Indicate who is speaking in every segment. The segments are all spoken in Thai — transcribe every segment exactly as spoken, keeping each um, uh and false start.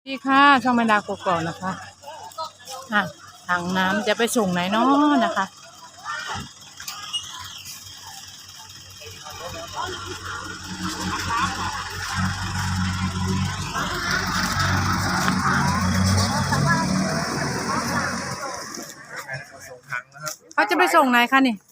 Speaker 1: ดีค่ะช่องแมดากกอกนะคะอ่ะถังน้ำจะไปส่งไหนเนาะนะคะเขาจะไปส่งไหนคะนี่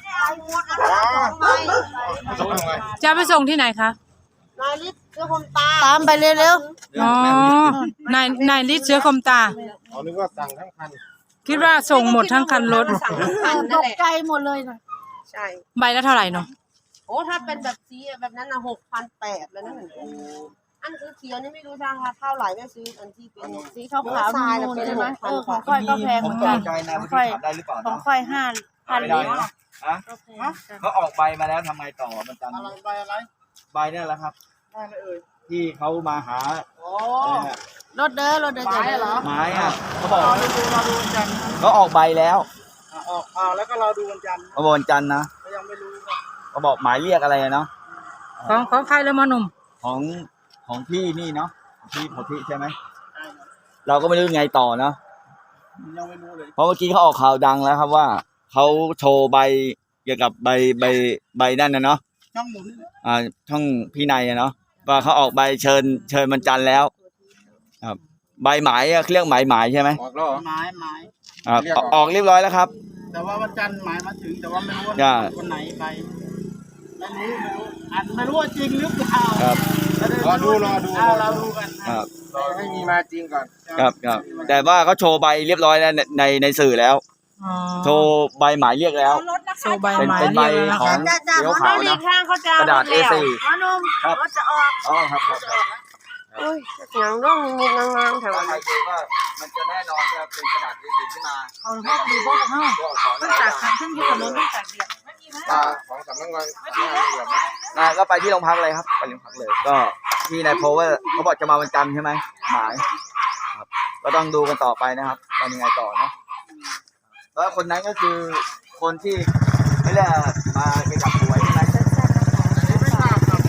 Speaker 1: จะไปส่งที่ไหนคะ
Speaker 2: นายฤทธิ์เสื้อคมตาตามไปเร็ว
Speaker 1: ๆอ๋อนายนายฤทธิ์เสือคมตา
Speaker 3: เขานึกว่าสั่งทั้งคัน
Speaker 1: คิดว่าส่งหมดทั้งคันรถ
Speaker 2: ตกใจหมดเลยนะใช่
Speaker 1: ใบละเท่าไหร่เนาะ
Speaker 2: โอ้ถ้าเป็นแบบสีแบบนั้นนะหกพันแปดแล้วนะอันสีเขียวนี่ไม่รู้ราคาเท่าไหร่ไม่ซื้ออันที่เป็นสีขาวขาวนูนใช่ไหมเออของค่อยก็แพงเหมือนกัน
Speaker 4: ของค่อยได้หรือเปล่า
Speaker 2: ของค่อยห้าพันลิตร
Speaker 4: ฮะเขาออกใบมาแล้วทำไงต่อมันจัน
Speaker 3: อะไรใบอะไร
Speaker 4: ใบเนี่ยแหละครับ
Speaker 3: ได้เลยเอ่ย
Speaker 4: ที่เขามาหา
Speaker 2: รถเด้อรถเด้อไม้เหรอ
Speaker 4: ไม้อ่ะเขาบอก
Speaker 3: รอดูรอดูวันจันทร์
Speaker 4: เขาออกใบแล้ว
Speaker 3: ออกอ่าแล้วก็รอดูวันจันทร์
Speaker 4: เขาบอกวันจันทร์นะ
Speaker 3: ก็ยังไม่รู้
Speaker 4: เขาบอกหมายเรียกอะไรเนาะ
Speaker 1: ของของใครแล้วมาหนุ่ม
Speaker 4: ของของพี่นี่เนาะพี่พอพี่ใช่ไหมเราก็ไม่รู้ไงต่อเนาะ
Speaker 3: ยังไม่รู้เลย
Speaker 4: เพราะเมื่อกี้เขาออกข่าวดังแล้วครับว่าเขาโชว์ใบเกี่ยวกับใบใบใบนั่นนะเนาะ
Speaker 3: ช่องหมุน
Speaker 4: อ่าช่องพี่นายเนาะว่าเขาออกใบเชิญเชิญวันจันทร์แล้วครับใบหมายอะเรียกหมายหมายใช่ไหม
Speaker 3: ออกแล้วหมายหมาย
Speaker 4: อ่าออกเรียบร้อยแล้วครับ
Speaker 3: แต่ว่าวันจันทร์หมายมาถึงแต่ว่าไม่รู้ว่าวันไหนใบไม่รู้ไม่รู้อันไม่รู้ว่าจริงหรือเปล่า
Speaker 4: ครับ
Speaker 3: รอดูรอดูเราดูกัน
Speaker 4: ครับ
Speaker 3: รอให้มีมาจริงก่อน
Speaker 4: ครับครับแต่ว่าเขาโชว์ใบเรียบร้อยแล้วในในสื่อแล้วโชว์ใบหมายเรียกแล้ว
Speaker 1: โชว์ใบหมาย
Speaker 4: เป็นใบของเขียวขาวนะกระดาษ เอ สี่
Speaker 2: ครับรถจะออก
Speaker 4: อ๋อครับครับ
Speaker 2: โอ้ยหนังร่องมีงางๆแถว
Speaker 4: ใครดูว่ามันจะแน่นอนครับเป็นกระดาษ เอ สี่ ขึ้นมา
Speaker 1: เอาพวกดูพวกเขาต้องจากคันขึ้นอยู่กับรถต้องจากเดียด
Speaker 3: ของสำนักงาน
Speaker 4: นายก็ไปที่โรงพักเลยครับไปโรงพักเลยก็ที่นายโพว่าเขาบอกจะมาวันจันทร์ใช่ไหมหมายครับก็ต้องดูกันต่อไปนะครับว่ายังไงต่อเนาะแล้วคนนั้นก็คือคนที่ไม่ได้มาเกี่ยวกับหวยใช่ไหม
Speaker 3: ไม่ทราบครับ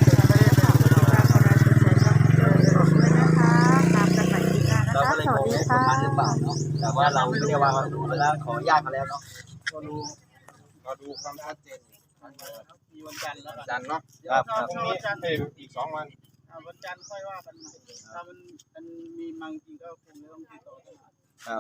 Speaker 4: เราก็เลยงงว่าคนนั้นหรือเปล่าเนาะแต่ว่าเราไม่ได้ว่าดูแล้วขออนุญาตมาแล้วเนาะ
Speaker 3: ก็ดูก็ดูความชัดเจนมีวันจันทร์แล้วจันทร์เนาะ
Speaker 4: ครับครับ
Speaker 3: วันจันทร์อีกสองวันวันจันทร์ค่อยว่ากันถ้ามันมันมีมังจริงก็คงจะต้องติดต่อกัน
Speaker 4: ครับ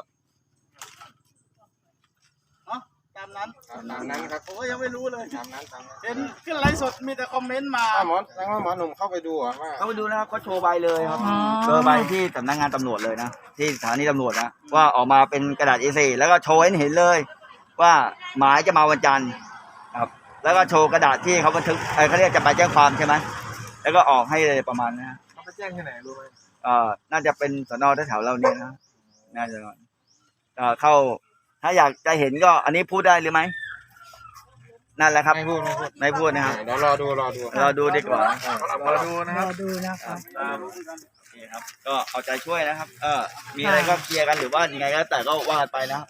Speaker 3: ตามนั้นตามนั้นครับผมก็ยังไม่รู้เลยตามนั้นตามนั้นเห็นขึ้นไลฟ์สดมีแต่คอมเมนต์มาหมอแสดงว่าหมอหนุ่มเข้าไปดูอ่ะว่า
Speaker 4: เข้าไปดูนะครับเขาโชว์ใบเลยครับโชว์ใบที่สำนักงานตำรวจเลยนะที่สถานีตำรวจนะว่าออกมาเป็นกระดาษ เอ สี่ แล้วก็โชว์ให้เห็นเลยว่าหมายจะมาวันจันทร์ครับแล้วก็โชว์กระดาษที่เขาบันทึกเขาเรียกจะไปแจ้งความใช่ไหมแล้วก็ออกให้เลยประมาณนี้
Speaker 3: เขาไปแจ้งที่ไหนรู้ไหม
Speaker 4: เอ่อน่าจะเป็นสน.แถวๆเราเนี่ยนะน่าจะเอ่อเข้าถ้าอยากจะเห็นก็อันนี้พูดได้หรือไหมนั่นแหละครับ
Speaker 3: ไม่พูดไม่พูด
Speaker 4: ไม่พูดนะครับ
Speaker 3: เดี๋ยวรอดูรอดู
Speaker 4: รอดูดีกว่าร
Speaker 3: อดูนะครับ
Speaker 1: รอดูนะครับ
Speaker 4: นี่ครับก็เอาใจช่วยนะครับเออมีอะไรก็เคลียร์กันหรือว่ายังไงก็แต่ก็ว่ากันไปนะครับ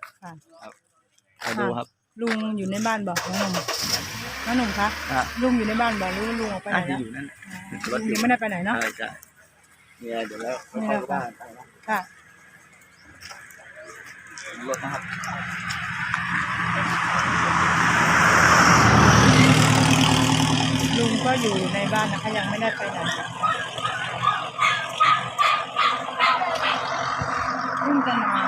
Speaker 4: ดูครับ
Speaker 1: ลุงอยู่ในบ้านบอกน้องหนุ่มน้องหนุ่มคะลุงอยู่ในบ้านบอกลุงลุงออกไปไหนแล้วลุงยังไม่ได้ไปไหนเนาะ
Speaker 4: ใช่ใช่เนี่ยเดี๋ยวแล้วเข้าบ้านไปนะ
Speaker 1: ค่ะ
Speaker 4: รถนะครับ
Speaker 1: ลุงก็อยู่ในบ้านนะคะยังไม่ได้ไปไหนลุงจะมา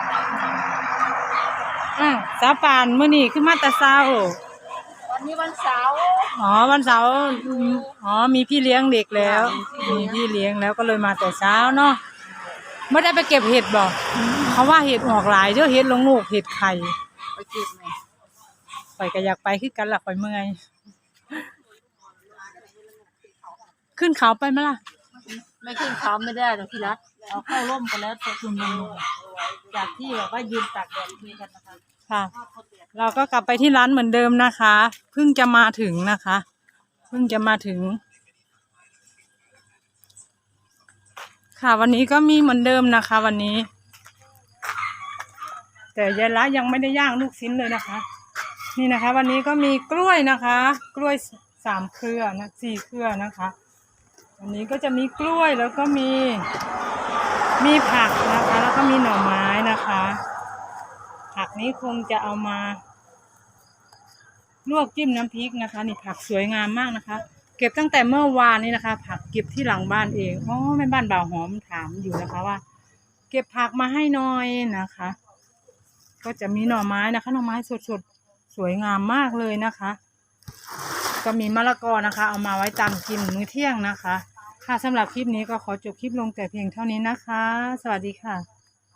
Speaker 1: อ่ะสาปานมื้อนี้ขึ้นมาแต่เช้า
Speaker 2: วันนี้วันเสาร์
Speaker 1: อ๋อวันเสาร์อ๋อมีพี่เลี้ยงเด็กแล้วมีพี่เลี้ยงแล้วก็เลยมาแต่เช้าเนาะไม่ได้ไปเก็บเห็ดบอกเขาว่าเห็ดออกหลายเยอะเห็ดลงลูกเห็ดไข่
Speaker 2: ไปเก็บไหม
Speaker 1: ไปก็อยากไปขึ้นกันละไปเมื่อยขึ้นเขาไปไหมล่ะ
Speaker 2: ไม่ขึ้นเขาไม่ได้หรอกพี่รักเอาเข้าร่มกันแล้วตัวคุณลุงจากที่แบบว่ายืนตากแดดคุยกันนะคะ
Speaker 1: ค่ะเราก็กลับไปที่ร้านเหมือนเดิมนะคะเพิ่งจะมาถึงนะคะเพิ่งจะมาถึงค่ะวันนี้ก็มีเหมือนเดิมนะคะวันนี้แต่ยายละยังไม่ได้ย่างลูกชิ้นเลยนะคะนี่นะคะวันนี้ก็มีกล้วยนะคะกล้วยสามเครือนะสี่เครือนะคะวันนี้ก็จะมีกล้วยแล้วก็มีมีผักนะคะ แล้วก็มีหน่อไม้นะคะ ผักนี้คงจะเอามาลวกจิ้มน้ำพริกนะคะนี่ผักสวยงามมากนะคะ เก็บตั้งแต่เมื่อวานนี้นะคะ ผักเก็บที่หลังบ้านเองอ๋อแม่บ้านบ่าวหอมถามอยู่นะคะว่า เก็บผักมาให้หน่อยนะคะ ก็จะมีหน่อไม้นะคะหน่อไม้สดๆสวยงามมากเลยนะคะ ก็มีมะละกอนะคะ เอามาไว้ตามกินมื้อเที่ยงนะคะค่ะสำหรับคลิปนี้ก็ขอจบคลิปลงแต่เพียงเท่านี้นะคะ สวัสดีค่ะ